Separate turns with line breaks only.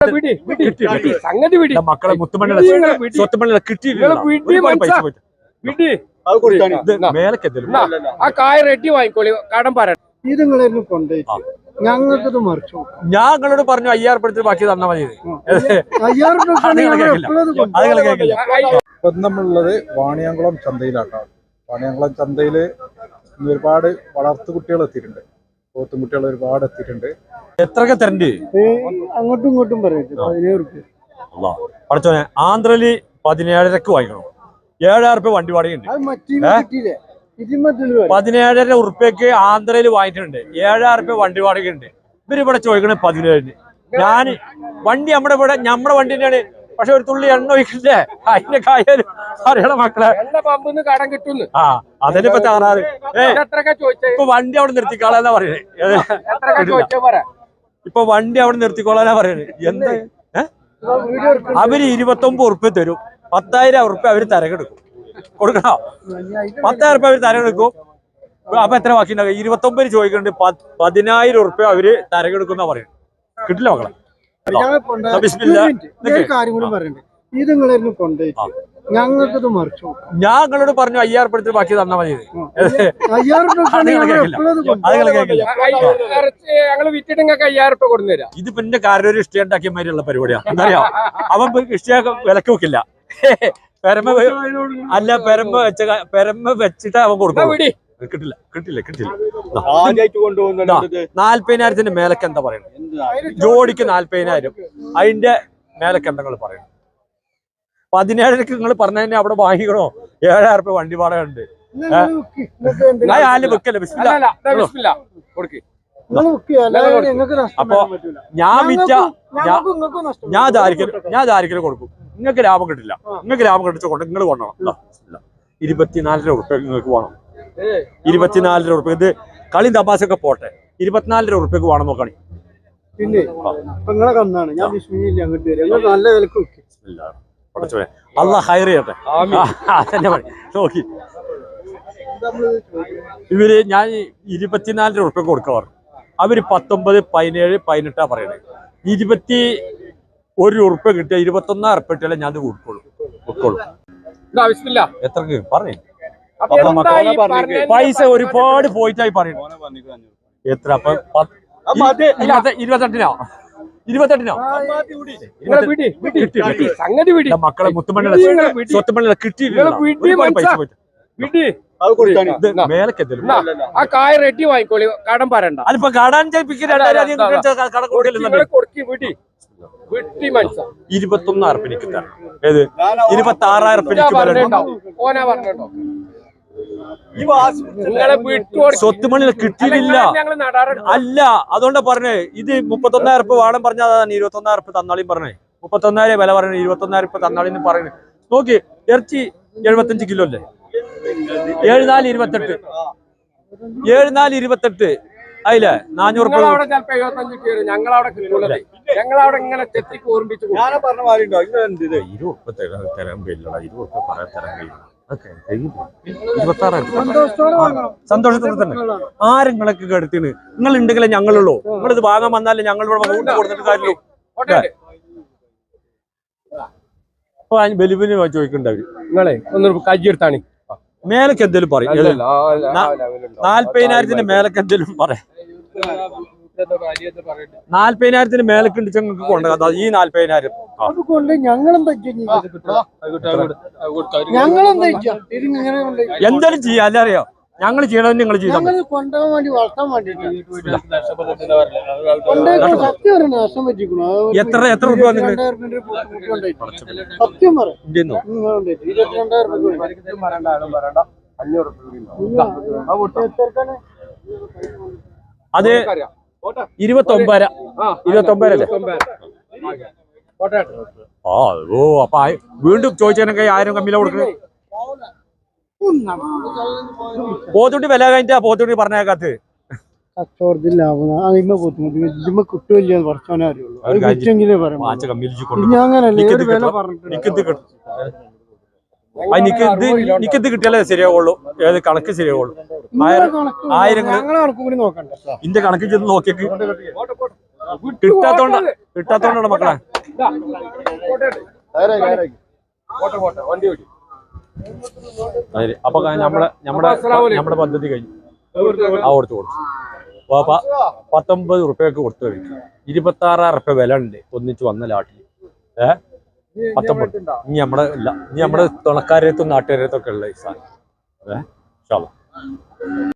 സംഗതി വിടി മക്കളെ മുത്തുമണ്ണിലെ സ്വത്തുമണ്ണിലെ ആ കായ റെഡി വാങ്ങിക്കോളി കടം പറ
ഇത് നിങ്ങളെല്ലാം കൊണ്ടുപോയിട്ട് ഞങ്ങൾക്കത് മറിച്ചു
ഞങ്ങളോട് പറഞ്ഞു 5000 എടുത്ത് ബാക്കി തന്നാ മതി.
ഇപ്പം നമ്മളുള്ളത് വാണിയംകുളം ചന്തയിലാട്ടോ. വാണിയംകുളം ചന്തയില് ഒരുപാട് വളർത്തു കുട്ടികൾ എത്തിയിട്ടുണ്ട്. പോത്തും കുട്ടികൾ ഒരുപാട് എത്തിയിട്ടുണ്ട്.
എത്രയൊക്കെ തരണ്ട്
അങ്ങോട്ടും ഇങ്ങോട്ടും പറയട്ടെ 17 റുപ്യ.
പഠിച്ചോനെ ആന്ധ്രയില് 17,500 വാങ്ങിക്കണം. 7,000 റുപ്യ വണ്ടി വാടകയുണ്ട്. 17,500 ഉറുപ്പ്യക്ക് ആന്ധ്രയിൽ വാങ്ങിയിട്ടുണ്ട്. 7,000 റുപ്യ വണ്ടി വാടകയുണ്ട്. ഇവരിവിടെ ചോദിക്കണേ 17. ഞാന് വണ്ടി നമ്മുടെ വണ്ടി തന്നെയാണ്. പക്ഷെ ഒരു തുള്ളി എണ്ണ ഒഴിക്കില്ലേ അതിന്റെ കാര്യം അറിയണം മക്കളെ.
കടം കിട്ടുന്നു.
ആ അതിനിപ്പോ താറാറ് ഇപ്പൊ വണ്ടി അവിടെ നിർത്തിക്കോളാന്നാ പറയണേ. ഇപ്പൊ വണ്ടി അവിടെ നിർത്തിക്കോളാനാ പറയണേ. എന്താ അവര് 29 ഉറുപ്പ്യ തരും. 10,000 ഉറുപ്പ്യ അവര് തരകെടുക്കും. കൊടുക്കണോ? 10,000 ഉറുപ്പ്യ അവര് തരകെടുക്കും. അപ്പൊ എത്ര ബാക്കി ഉണ്ടാവും? 29 ചോദിക്കുന്നുണ്ട്. 10,000 ഉറുപ്പ്യ അവര് തരകെടുക്കുന്ന പറയുന്നത്. കിട്ടില്ല മക്കളെ.
ഇത് നിങ്ങളെല്ലാം കൊണ്ടുപോയിട്ട് ഞങ്ങൾക്കത് മറിച്ചു.
ഞങ്ങളോട് പറഞ്ഞു 5000 എടുത്ത് ബാക്കി തന്നാ മതി. ഇത് പിന്നെ കാരണം ഒരു ഇഷ്ടം ഉണ്ടാക്കിയ മാതിരിയുള്ള പരിപാടിയാ. എന്താ പറയാ അവൻ ഇഷ്ടം വിലക്ക് വെക്കില്ല. പെരമ്പ വെച്ചിട്ട് അവൻ കൊടുക്കും. കിട്ടില്ല 40,000 മേലക്ക് എന്താ പറയുന്നത്? ജോഡിക്ക് 40,000. അതിന്റെ മേലക്ക് എന്താ നിങ്ങൾ പറയുന്നത്? 17 നിങ്ങൾ പറഞ്ഞതിന് അവിടെ വാങ്ങിക്കണോ? 7,000 റുപ്യ വണ്ടി വാടക ഉണ്ട്. അപ്പൊ ഞാൻ ദാരിക്കല് കൊടുക്കും. നിങ്ങൾക്ക് ലാഭം കിട്ടില്ല. നിങ്ങൾക്ക് ലാഭം കിട്ടിച്ചോണ്ട് നിങ്ങൾ കൊണ്ടണം. 24,000 ഉറുപ്പ്യ നിങ്ങൾക്ക് വേണം. 24,000 ഉറുപ്പ്യ. ഇത് കളി തമാശയൊക്കെ പോട്ടെ. 24,000 ഉറുപ്പ്യക്ക് വേണം നോക്കണി.
പിന്നെ നിങ്ങളെ കന്നാണ് ഞാൻ അങ്ങോട്ട് വരും. നല്ല വിലക്ക്
അള്ളാഹ് ഹൈർ ചെയ്യട്ടെ. നോക്കി ഇവര് ഞാൻ 24,000 ഉറുപ്പ്യ കൊടുക്കാറ്. അവര് 19, 17, 18 പറയണേ. 21 ഉറുപ്പ്യ കിട്ടിയ 21,000 ഉറുപ്പ്യ കിട്ടിയാലേ ഞാൻ കൊടുക്കുള്ളൂ. എത്രക്ക് പറഞ്ഞു? പൈസ ഒരുപാട് പോയിട്ടായി പറയുന്നു. എത്ര? അപ്പൊ 28 മക്കളെ മുത്തുമണ്ണിലെ സ്വത്തുമണ്ണിലെ മേലക്കെന്തലും
ആ കായ റെഡി വാങ്ങിക്കോളി കടം പറയണ്ട.
അതിപ്പോ കടാൻ 21,000 ഉറുപ്പ്യക്ക് തരാം. ഏത് 26,000 ഉറുപ്പ്യക്ക് സ്വത്തുമണ്ണിൽ കിട്ടിയിട്ടില്ല. അല്ല അതുകൊണ്ടാ പറഞ്ഞേ. ഇത് 31,000 ഉറുപ്പ്യ വാടം പറഞ്ഞാൽ 21,000 ഉറുപ്പ്യ തന്നാളിയും പറഞ്ഞേ. 31,000 വില പറഞ്ഞേ. 21,000 ഉറുപ്പ്യ തന്നാളിന്ന് പറയുന്നത്. നോക്കി ഇറച്ചി 75 കിലോ അല്ലേ? 7428 അതിലെ 400 ഉറുപ്പ്യ.
ഞങ്ങളവിടെ ഇങ്ങനെ ചെത്തി കൂർമ്പിച്ചു
തരാൻ പറയാൻ തരാൻ കഴിയും. സന്തോഷത്തോടെ തന്നെ ആരെങ്ങളൊക്കെ കെടുത്തിന് നിങ്ങൾ ഉണ്ടെങ്കിലേ ഞങ്ങളുള്ളൂ. നിങ്ങളിത് വാങ്ങാൻ വന്നാലേ ഞങ്ങളിവിടെ കൊടുത്തിട്ട് കാര്യമുള്ളൂ. അപ്പൊ ബലിബിന് ചോദിക്കണ്ടവര്
നിങ്ങളെ ഒന്ന് കജ്ജിയെടുത്താണ്
മേലക്ക് എന്തേലും പറയും. 40,000 മേലക്ക് എന്തേലും പറയാം. 40,000 മേലക്ക് ഉണ്ട് ഞങ്ങൾക്ക് കൊണ്ടുപോകാം. ഈ 40,000 എന്തായാലും ചെയ്യാം. അല്ല അറിയോ ഞങ്ങൾ ചെയ്യണമെന്ന് നിങ്ങൾ ചെയ്താൽ എത്ര രൂപ അത് 29 അല്ലേ? അപ്പൊ വീണ്ടും ചോദിച്ചതിനൊക്കെ 1000 കമ്മിയില കൊടുക്കുന്നത്. പോത്തുണ്ടി വില കഴിഞ്ഞാ പോത്തുണ്ടി പറഞ്ഞേക്കാത്ത
കച്ചവടത്തിൽ ലാഭം കിട്ടുമില്ല. കുറച്ചോനെ അറിയുള്ളൂ.
എനിക്കിത് കിട്ടിയാലേ ശരിയാവുള്ളൂ. ഏത് കണക്ക് ശരിയാവുള്ളൂ. 1000 ഇന്റെ കണക്ക് ചെന്ന് നോക്കിയേക്ക്. കിട്ടാത്തോണ്ടാണ് മക്കളെ. അപ്പൊ നമ്മുടെ പദ്ധതി കഴിഞ്ഞു. കൊടുത്തു 19 റുപ്യക്ക് കൊടുത്തു കഴിഞ്ഞു. 26,000 റുപ്യ വില ഉണ്ട് ഒന്നിച്ച് വന്ന ലാട്ടിൽ. 19. ഇനി നമ്മുടെ തുണക്കാരത്തും നാട്ടുകാരത്തൊക്കെ ഉള്ള ഈ സാധനം.